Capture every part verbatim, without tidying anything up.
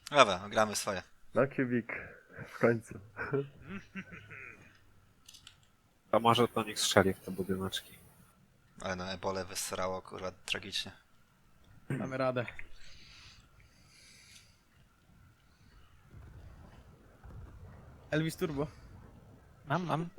Dobra, gramy swoje. No Kubik, w końcu. To może to niech strzeli w te budyneczki. Ale no ebole wysrało, kurwa, tragicznie. Mamy radę. Elvis Turbo. Mam, mam.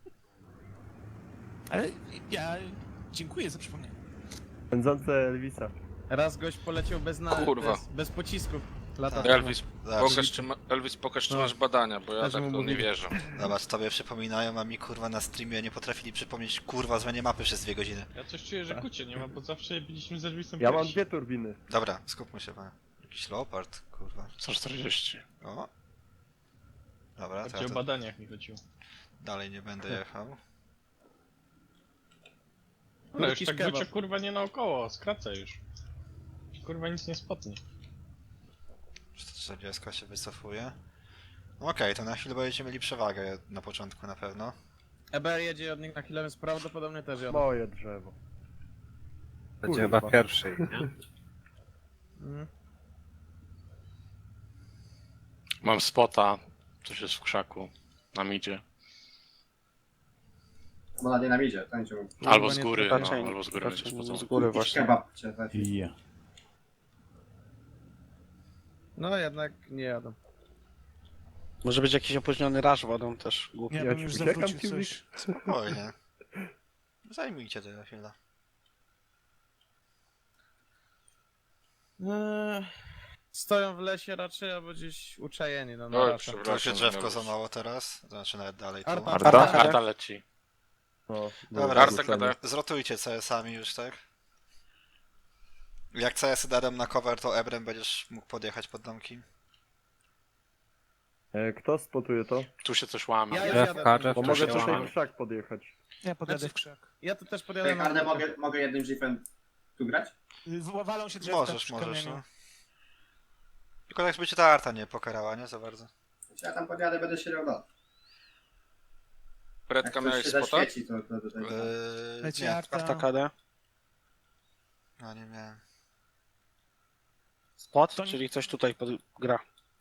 Ale ja dziękuję za przypomnienie. Pędzące Elvisa. Raz gość poleciał bez, na... Kurwa. bez, bez pocisków. Lata Tak. temu. Elvis, Zobacz, pokaż, czy ma, Elvis, pokaż, czy No. masz badania, bo ja Też tak mu to nie mówili. wierzę. zobacz, tobie przypominają, a mi kurwa na streamie nie potrafili przypomnieć kurwa zmianie mapy przez dwie godziny. Ja coś czuję, że kucie nie ma, bo zawsze byliśmy z Elvisem Ja mam pierwsi. dwie turbiny. Dobra, skupmy się, panie. Jakiś leopard, kurwa. sto czterdzieści. O. Dobra, to Bardziej ja o to badaniach mi chodziło. dalej nie będę jechał. No już Jakiś tak kebab. wrócił kurwa nie naokoło, skracę już. Kurwa nic nie spotnie. czterdzieści się wycofuje. No Okej, to na chwilę będziecie mieli przewagę na początku na pewno. E B R jedzie od nich na chwilę, więc prawdopodobnie też jadą. Moje drzewo. Będzie Kurwa. chyba pierwszy, nie? Mhm. Mam spota, coś jest w krzaku, na midzie. Bo na dynamidzie, tańczył. Albo nie z góry, to no, raczej- albo z góry będzie raczej spocony. z góry Jakiś właśnie. kebab cię trafi. No jednak nie jadą. Może być jakiś opóźniony raż wodą też głupi. Ja Ja bym ci już uciekam, zawrócił Kubik? coś. Spokojnie. Zajmijcie to na chwilę. Eee, stoją w lesie raczej, albo gdzieś uczajeni, no na Oj, raczej. To już jest przepraszam. drzewko Elvis. za mało teraz, to znaczy nawet dalej tu. Arta. Arta? Arta? Arta leci. No, Dobra, Arta wrzucenie. gada. Zrotujcie C S-ami już, tak? Jak C S-y dadą na cover, to Ebrem będziesz mógł podjechać pod domki. E, Kto spotuje to? Tu się coś łamie. Ja już Drzewka, jadę. drzewka Bo mogę się tutaj łamie. w krzak podjechać. Ja podjadę Znaczy- w krzak. Ja tu też podjadę Ej, na Arne, drogę. mogę, mogę jednym jeepem tu grać? W- Walą się drzewka Możesz, przy możesz, kamieniu. no. Tylko tak, żeby cię ta Arta nie pokarała, nie? Za bardzo. Ja tam podjadę, będę siedział do. Jak Predka coś miałeś się spota? zaświeci, to, to tutaj. Yy, Leci nie, Arta. Arta K D. no nie miałem. Spot, To nie- czyli coś tutaj pod... gra.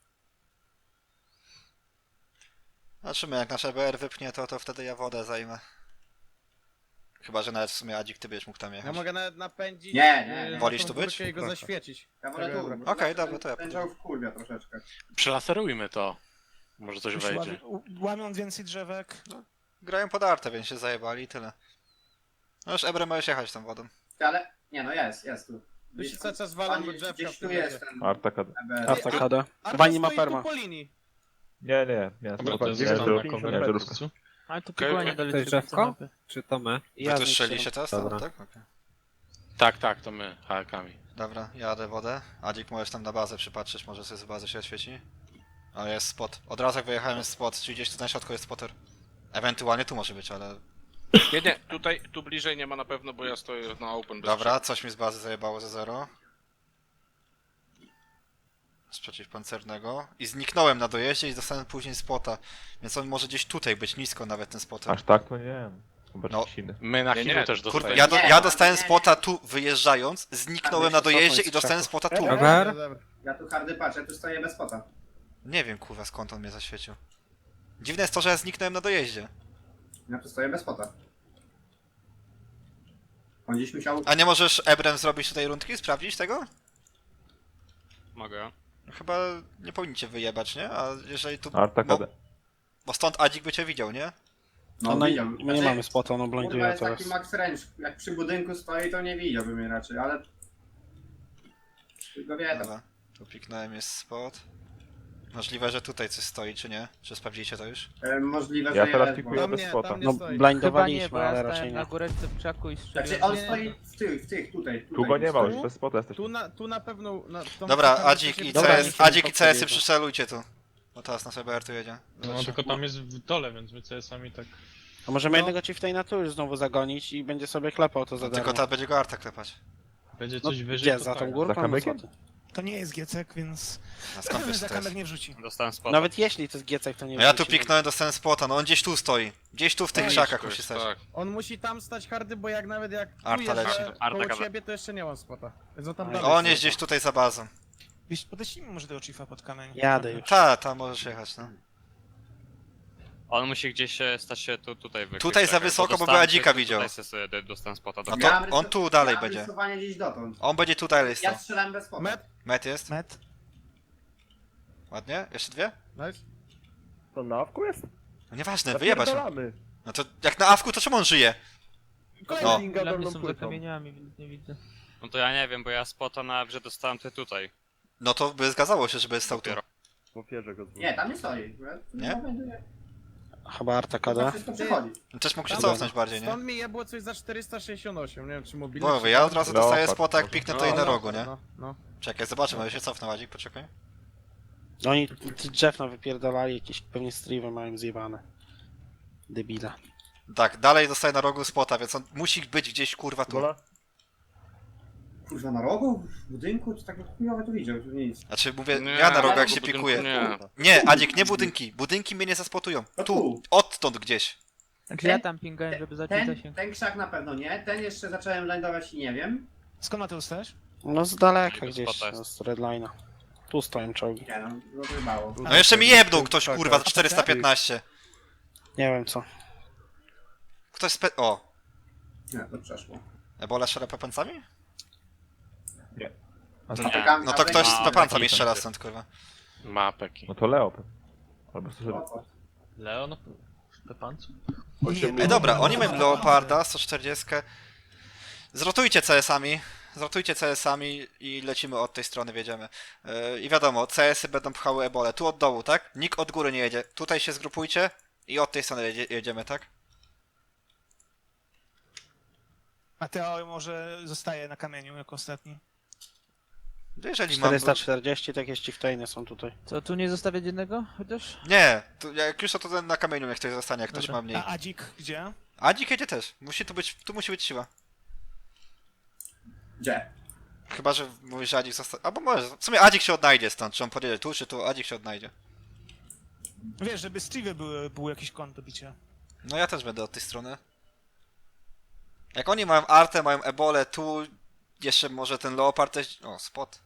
Zobaczymy, jak nasz E B R wypnie to, to wtedy ja wodę zajmę. Chyba, że nawet w sumie Adzik, ty byś mógł tam Ja jechać. mogę nawet napędzić. Nie, nie, yy, nie. Wolisz tą tu być? górkę i go Proszę. zaświecić. Ja wolę tu. Dobra. bo Okej, ten- dobra, to ja Ten podjadę. dział wkurwia troszeczkę. Przelaserujmy to. Może coś Już wejdzie. łamie- Łamią więcej drzewek. Grają pod Artę, więc się zajebali i tyle. No już Ebrem możesz jechać tą wodą. Ty, ale... Nie no, jest, jest tu. Wy się cały czas walą Oni- do drzewka. Gdzieś w tu tym jest lesie. ten Arta K D. E B R. Arta K D. Arta Wani ma stoi tu perma. po linii. Nie, nie, nie. Dobra, to spokojnie. jest Nie, tam to- na nie, cover. żarówka. Ale to Okej, pogłanie okej. dalej To jest drzewko? Czy to my? Wy tu strzeliście teraz? Dobra. Tak? Okej. Tak, tak, to my, hakami. Dobra, jadę wodę. Adzik, możesz tam na bazę przypatrzeć, może sobie z bazy się oświeci. Ale jest spot. Od razu jak wyjechałem jest spot, czyli gdzieś tu na środku jest spotter. Ewentualnie tu może być, ale... Nie, nie, tutaj, tu bliżej nie ma na pewno, bo ja stoję na open bez Dobra, coś mi z bazy zajebało ze zero. Z przeciwpancernego. I zniknąłem na dojeździe i dostałem później spota. Więc on może gdzieś tutaj być, nisko nawet ten spotter. Aż tak to nie wiem. No, My na Nie, chwilę nie, też Kurwa, dostajemy. ja, do, Nie, ja dostałem nie, nie. spota tu wyjeżdżając, zniknąłem na dojeździe i dostałem spota tu. Dobra. Dobra, dobra. Ja tu hardy patrzę, ja tu stoję bez spota. Nie wiem kurwa skąd on mnie zaświecił. Dziwne jest to, że ja zniknąłem na dojeździe. Ja tu stoję bez spota. On gdzieś musiał... A nie możesz Ebrem zrobić tutaj rundki, sprawdzić tego? Mogę. Chyba nie powinniście wyjebać, nie? A jeżeli tu... Arta bo, K D. bo stąd Adzik by cię widział, nie? No, no i widział. my nie Znaczy, mamy spota, no Kurwa blinduje jest teraz. taki max range. Jak przy budynku stoi, to nie widziałby mnie raczej, ale... Tylko wie tam. Dobra, tu piknąłem, jest spot. Możliwe, że tutaj coś stoi, czy nie? Czy sprawdzicie to już? E, możliwe, Ja że teraz jest, pikuję bo- Tam bez nie, spota. tam nie No stoi. blindowaliśmy, ale raczej nie. góreczce w krzaku i Znaczy on Nie, nie, stoi w tych, w tych, tutaj. tutaj Tu go nie ma, stoi. już bez spota jesteś. Tu na, tu na pewno... Na, tą Dobra, stronę Adzik się i Dobra, C S, niech Adzik się i C S-y podjedzie. przycelujcie tu. Bo teraz nasz E B R tu jedzie. No tylko tam jest w dole, więc my C S-ami tak... A możemy No. jednego chieftaina tu już znowu zagonić i będzie sobie klepał to za Tylko darmo. ta będzie go Arta klepać. Będzie No, coś wyżej, gdzie, to za tą tak. górką? Za No, kamykiem? co ty? To nie jest giecek, więc A skąd wiesz, za co to jest? kamek nie wrzuci. Dostałem spota. Nawet jeśli to jest giecek, to nie No ja tu wróci. piknąłem, dostałem spota, no on gdzieś tu stoi. Gdzieś tu w tych No, krzakach to musi jest, stać. tak. On musi tam stać hardy, bo jak nawet jak tu Arta jeżdżę leci. Arta koło gada. ciebie, to jeszcze nie mam spota. Więc on tam Oj, dalej On stoi. jest gdzieś tutaj za bazą. Wiesz, podeślijmy może tego chiefa pod kamień. Jadę już. Ta, ta, możesz jechać, no. On musi gdzieś e, stać się tu, tutaj wykryć. Tutaj za czekaj, wysoko, bo dostałem by Adzika tylko widział. Tutaj sobie do- dostałem spota. No Do... to on tu dalej będzie. rysowanie gdzieś dotąd. On będzie tutaj listą. Ja strzelałem bez spodu. Met, Met jest? Met. Ładnie? Jeszcze dwie? nice. To na awku jest? No nieważne, wyjebać. mu. Zapierdalamy. No to jak na awku, to czemu on żyje? Kolejny. No. Pinga dolną płytą. No to ja nie wiem, bo ja spota na że dostałem ty tutaj. No to by zgadzało się, żeby stał tu. Dopiero. W ofierze go zwrócił. Nie, tam nie stoi. Nie? Chyba Arta To K D. wszystko przechodzi. Też mógł się Tam- cofnąć bardziej, nie? Stąd mi je było coś za czterysta sześćdziesiąt osiem, nie wiem czy mobilny. Bo czy- ja od razu dostaję Leopard spota, jak może. piknę No, tutaj na no, rogu, nie? No, no. Czekaj, zobaczymy, ale się cofnę, Adzik, poczekaj. No oni t- drzew na wypierdalali, jakieś pewnie striwy mają zjebane. Debila. Tak, dalej dostaję na rogu spota, więc on musi być gdzieś, kurwa, tu. Gola? Kurwa, na rogu? W budynku? To tak chujowe tu widział, tu nic. Znaczy, mówię, Nie, ja na rogu, jak bo się budynku pikuję. Nie. Nie, Adzik, nie budynki. Budynki mnie nie zaspotują. No Tu, tu. odtąd gdzieś. Znaczy ja tam pingałem, żeby zacząć ten, ten krzak na pewno nie, ten jeszcze zacząłem lądować i nie wiem. Skąd Mateusz też? No z daleka Tego gdzieś, spota jest. no, z redline'a. Tu stoją czołgi. Nie no, no wybało. No jeszcze mi jebnął ktoś, kurwa, za czterysta piętnaście. Nie wiem co. Ktoś spe... O, Nie, to przeszło. Ebola strzela pepancami? A To co? Nie. No to ktoś z Ma, pepancami taki strzela będzie. stąd, kurwa. Ma peki. No to Leop. Albo co sobie... Leon? Stepancu? Ej, dobra, oni mają Leoparda, sto czterdzieści. Zrotujcie C S-ami. Zrotujcie C S-ami i lecimy od tej strony, wiedziemy. Yy, I wiadomo, C S-y będą pchały ebolę. Tu od dołu, tak? Nikt od góry nie jedzie. Tutaj się zgrupujcie i od tej strony jedzie, jedziemy, tak? Mateo może zostaje na kamieniu jako ostatni. No jeżeli mam... czterysta czterdzieści, tak jakieś chieftainy są tutaj. Co, tu nie zostawiać jednego chociaż? Nie, to jak już to, to ten na kamieniu niech ktoś zostanie, jak ktoś Dobra. ma mniej. A Adzik gdzie? Adzik jedzie też. Musi tu być, tu musi być siła. Gdzie? Chyba, że mówisz, że Adzik zostanie. Albo może. W sumie Adzik się odnajdzie stąd. Czy on podjedzie tu, czy tu, Adzik się odnajdzie. Wiesz, żeby Steve były, było jakiś kąt do bicia. No ja też będę od tej strony. Jak oni mają artę, mają ebolę, tu jeszcze może ten leopard też... O, spot.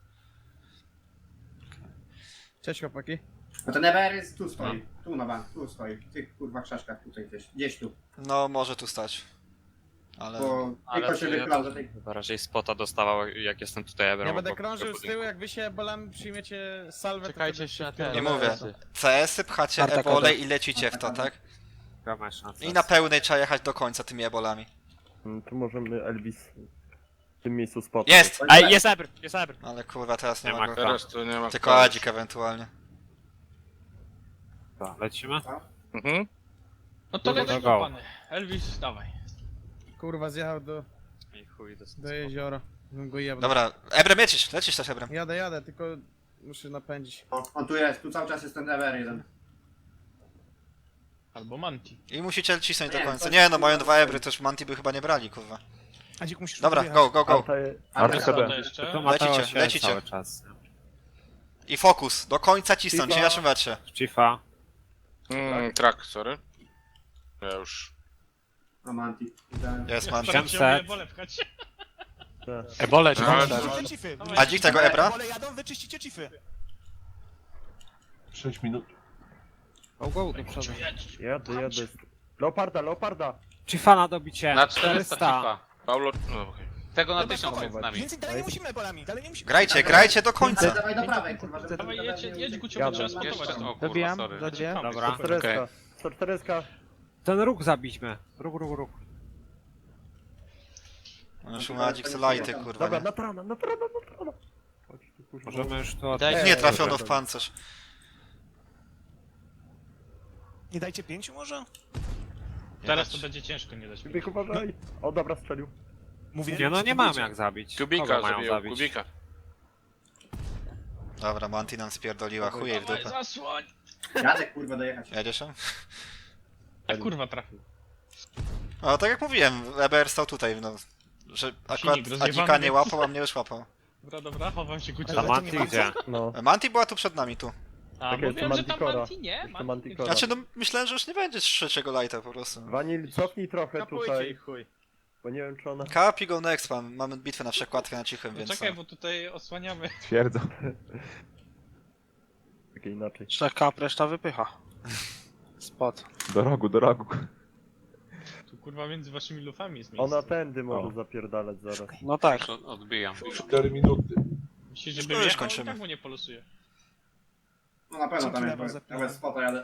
Cześć chłopaki. No ten Everest tu stoi. Tu na bank, tu stoi. W tych kurwa krzaszkach tutaj gdzieś. Gdzieś tu. No, może tu stać. Ale... Bo Ale tylko to się ja wyklał to do tej... chyba raczej spota dostawał, jak jestem tutaj ebrem. Ja będę obok krążył tego z tyłu, budynku. jak wy się bolami przyjmiecie salwę. to Czekajcie wtedy jeszcze na się ten. Nie wpierdolę. mówię. C S-y pchacie Arta ebolę K D. i lecicie w to, tak? Ja mam szansę. I na pełnej trzeba jechać do końca tymi ebolami. Mm, Tu możemy Elvis w tym miejscu spot. Jest! Ej, jest ebr, jest ebr! Ale kurwa, teraz nie, Nie ma ma go. Teraz to nie ma. Tylko Adzik ewentualnie. To, lecimy? Mhm. No to Go, lecimy, go. pany. Elvis, dawaj. Kurwa, zjechał do, I chuj, dostałem do spota. jeziora. Bym go jebnął. Dobra, Ebrem lecisz, lecisz też Ebrem. Jadę, jadę, tylko muszę napędzić. O, on tu jest, tu cały czas jest ten Ever jeden. Albo Manti. I musicie cisnąć do Nie, końca. to- Nie no, mają dwa ebry, to już Manti by chyba nie brali, kurwa. Adzik musisz Dobra, wyjechać. go, go, go. Arta, Arta Arta K To D. jeszcze? To Mateo Lecicie, się lecicie. cały czas. I fokus, do końca cisnąć, nie na czym wetrze. Chiefa. Mm, track, sorry. Ja już. A Manti. Jest Manti. Siedemset. Chciałem wolę pchać. Ebole, No, ale- Wyczyścicie cify. Adzik tego ebra? Pole jadą, wyczyścicie cify. sześć minut. Go, go, do przodu. Jadę, jadę. Leoparda, Leoparda! Chiefa na dobicie. Na czterysta FIFA. Paulo. No, okej. Tego na Dobra, tysiąc dawaj. jest z nami. Więcej dalej nie musimy bolami, dalej nie musimy. Grajcie, grajcie do Ale końca. dawaj do prawej, kurwa, żeby... Dawaj, jedź, jedź Gucio, Jadę. bo trzeba spotować. Jeszcze, o kurwa, Dobijam, sorry. za dwie. Dobra. sto czterdzieści. sto czterdzieści. Ten róg zabićmy. Róg, róg, róg. On już ma Adzik lighty, kurwa. Dobra, Nie? na trana, na trana, na trana. Chodź tu, kurwa. Możemy już to... Daj- Nie trafiono w pancerz. Nie dajcie pięciu może? Teraz to będzie ciężko nie dać. Bieg, uważaj. O, dobra, strzelił. Mówię, Nie no, nie spróbujcie. mam jak zabić. Kubika Kogo mają zabiją, zabić? Kubika. Dobra, Manti nam spierdoliła, chuje jej w Dawaj, dupę. zasłoń! Jadę kurwa dojechać. Jedziesz tam? A kurwa trafił. O, tak jak mówiłem, E B R stał tutaj, no. Że akurat rozjebany Adzika nie jest. łapał, a mnie już łapał. Dobra, dobra, chowam się A Gucio. Manti gdzie? No. Manti była tu przed nami, tu. A, Tak jest, mówiłem, że tam Manticora. Manti nie, Jeszcze Manti Manticora. Znaczy, no myślałem, że już nie będzie trzeciego lighta po prostu. Vanil, cofnij trochę Kapujcie tutaj. ich, chuj. Bo nie wiem czy ona... Kapi go next, mam, mamy bitwę na przekładkę na cichym, No więc... czekaj, no. bo tutaj osłaniamy. Twierdzą. Takie inaczej. Trzech kap, reszta wypycha. Spot. Do rogu, do rogu. Tu kurwa między waszymi lufami jest miejsce. Ona tędy może zapierdalać zaraz. No tak. Już od- odbijam. cztery minuty. Myślisz, że No bym już jechał, kończymy. i tak mu nie polosuje. No na pewno tam Dzięki, jest, lewo ja bez spota jadę.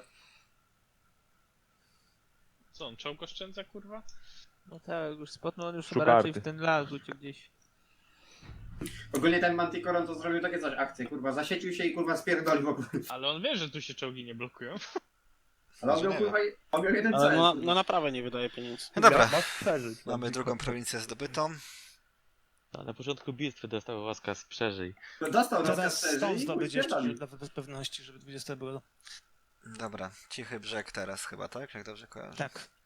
Co, on czołg oszczędza, kurwa? No tak, już spotnął, on już Szuka chyba raczej arty. w ten las uciekł gdzieś. Ogólnie ten Manticoron to zrobił takie coś akcję, kurwa, zasiecił się i kurwa spierdolił wokół. Ale on wie, że tu się czołgi nie blokują. Ale on miał Nie kurwa, on miał jeden Ale cel. no, no naprawdę nie wydaje pieniędzy. No dobra, Masz przeżyć. mamy drugą prowincję zdobytą. Na początku bitwy dostał łaskaz przeżyj. No dostał Teraz rozkaz stąd i zdobyć jeszcze spierdolił. dla bez pewności, żeby dwudzieste było. Dobra, cichy brzeg teraz chyba, tak? Jak dobrze kojarzę. Tak.